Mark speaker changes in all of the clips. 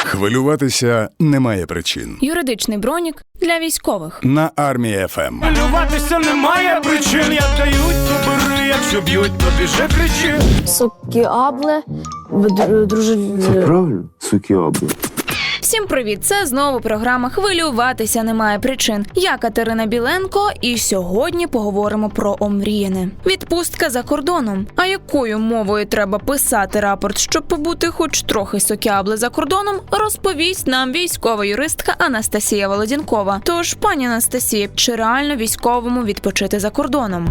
Speaker 1: Хвилюватися немає причин.
Speaker 2: Юридичний бронік для військових.
Speaker 1: На Армії ФМ.
Speaker 3: Хвилюватися немає причин, як дають, то бери, якщо б'ють, то біжи, кричи.
Speaker 4: Сукіабле, друже...
Speaker 5: Це правильно? Сукіабле.
Speaker 2: Всім привіт! Це знову програма «Хвилюватися немає причин». Я Катерина Біленко, і сьогодні поговоримо про омріяне. Відпустка за кордоном. А якою мовою треба писати рапорт, щоб побути хоч трохи сокіабле за кордоном, розповість нам військова юристка Анастасія Володінкова. Тож, пані Анастасія, чи реально військовому відпочити за кордоном?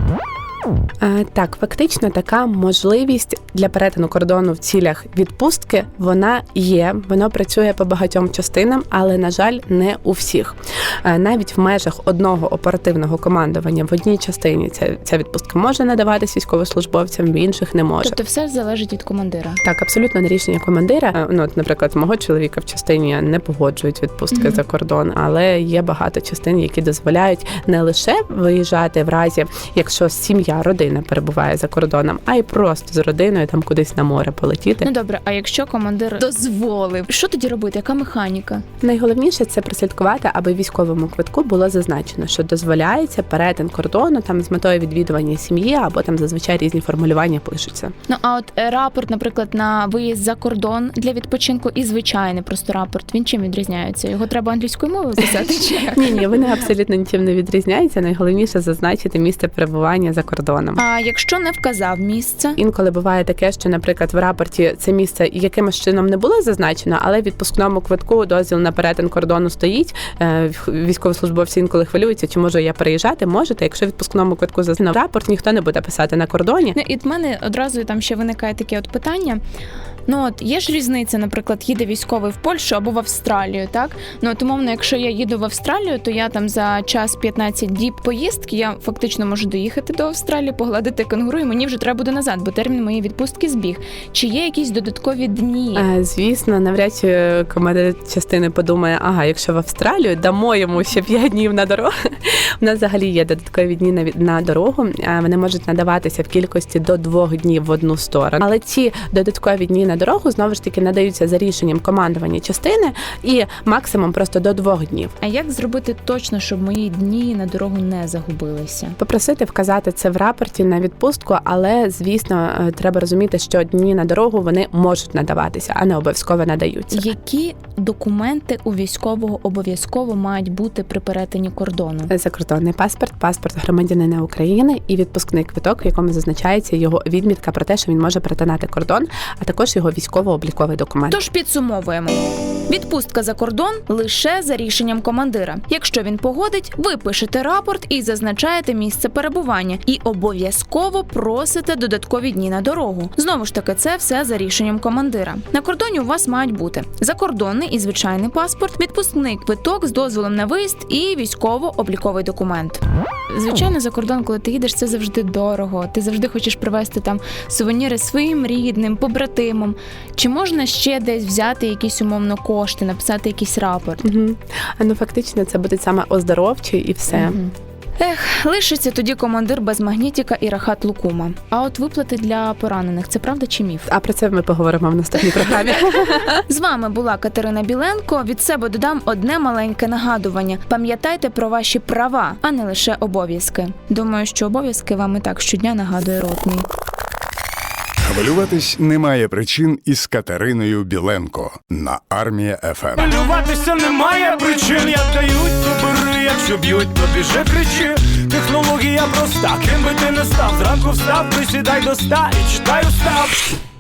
Speaker 6: Так, фактично така можливість для перетину кордону в цілях відпустки, вона є, вона працює по багатьом частинам, але, на жаль, не у всіх. Навіть в межах одного оперативного командування в одній частині ця відпустка може надаватись військовослужбовцям, в інших не може.
Speaker 2: Тобто все залежить від командира?
Speaker 6: Так, абсолютно на рішення командира. Наприклад, мого чоловіка в частині не погоджують відпустки за кордон, але є багато частин, які дозволяють не лише виїжджати в разі, якщо сім'я, родина перебуває за кордоном, а й просто з родиною там кудись на море полетіти.
Speaker 2: Ну добре, а якщо командир дозволив, що тоді робити? Яка механіка?
Speaker 6: Найголовніше це прослідкувати, аби в військовому квитку було зазначено, що дозволяється перетин кордону там з метою відвідування сім'ї, або там зазвичай різні формулювання пишуться.
Speaker 2: Ну а от рапорт, наприклад, на виїзд за кордон для відпочинку і звичайний просто рапорт, він чим відрізняється? Його треба англійською мовою писати чи як?
Speaker 6: Ні, вони абсолютно нічим не відрізняються. Найголовніше зазначити місце перебування за кордоном.
Speaker 2: А якщо не вказав місце?
Speaker 6: Інколи буває таке, що, наприклад, в рапорті це місце якимось чином не було зазначено, але в відпускному квитку дозвіл на перетин кордону стоїть. Військовослужбовці інколи хвилюються, чи можу я переїжджати? Можете. Якщо в відпускному квитку зазначено рапорт, ніхто не буде писати на кордоні.
Speaker 2: Ну, і в мене одразу там ще виникає таке от питання. Ну от є ж різниця, наприклад, їде військовий в Польщу або в Австралію, так? Ну от умовно, якщо я їду в Австралію, то я там за час 15 діб поїздки, я фактично можу доїхати до Австралії, погладити кенгуру, і мені вже треба буде назад, бо термін моєї відпустки збіг. Чи є якісь додаткові дні?
Speaker 6: Звісно, навряд чи командир частини подумає, якщо в Австралію, дамо йому ще 5 днів на дорогу. У нас взагалі є додаткові дні на дорогу, вони можуть надаватися в кількості до 2 днів в одну сторону. Але ці додаткові дні на дорогу, знову ж таки, надаються за рішенням командування частини і максимум просто до 2 днів.
Speaker 2: А як зробити точно, щоб мої дні на дорогу не загубилися?
Speaker 6: Попросити вказати це в рапорті на відпустку, але, звісно, треба розуміти, що дні на дорогу вони можуть надаватися, а не обов'язково надаються.
Speaker 2: Які документи у військового обов'язково мають бути при перетині кордону?
Speaker 6: Закордонний паспорт, паспорт громадянина України і відпускний квиток, в якому зазначається його відмітка про те, що він може перетинати кордон, а також його військово-обліковий документ.
Speaker 2: Тож підсумовуємо. Відпустка за кордон лише за рішенням командира. Якщо він погодить, ви пишете рапорт і зазначаєте місце перебування. І обов'язково просите додаткові дні на дорогу. Знову ж таки, це все за рішенням командира. На кордоні у вас мають бути закордонний і звичайний паспорт, відпускний квиток з дозволом на виїзд і військово-обліковий документ. Звичайно, за кордон, коли ти їдеш, це завжди дорого. Ти завжди хочеш привезти там сувеніри своїм рідним, побратимам. Чи можна ще десь взяти якісь умовно кошти, написати якийсь рапорт?
Speaker 6: Фактично, це буде саме оздоровчий і все.
Speaker 2: Лишиться тоді командир без магнітіка і рахат лукума. А от виплати для поранених – це правда чи міф?
Speaker 6: А про це ми поговоримо в наступній програмі.
Speaker 2: З вами була Катерина Біленко. Від себе додам одне маленьке нагадування. Пам'ятайте про ваші права, а не лише обов'язки. Думаю, що обов'язки вам і так щодня нагадує ротний.
Speaker 1: Хвилюватись немає причин із Катериною Біленко на Армії ФМ.
Speaker 3: Хвилюватися немає причин, як дають, то бери, якщо б'ють, то біжи, кричи. Технологія проста, ким би ти не став, зранку встав, присідай до ста і читай устав.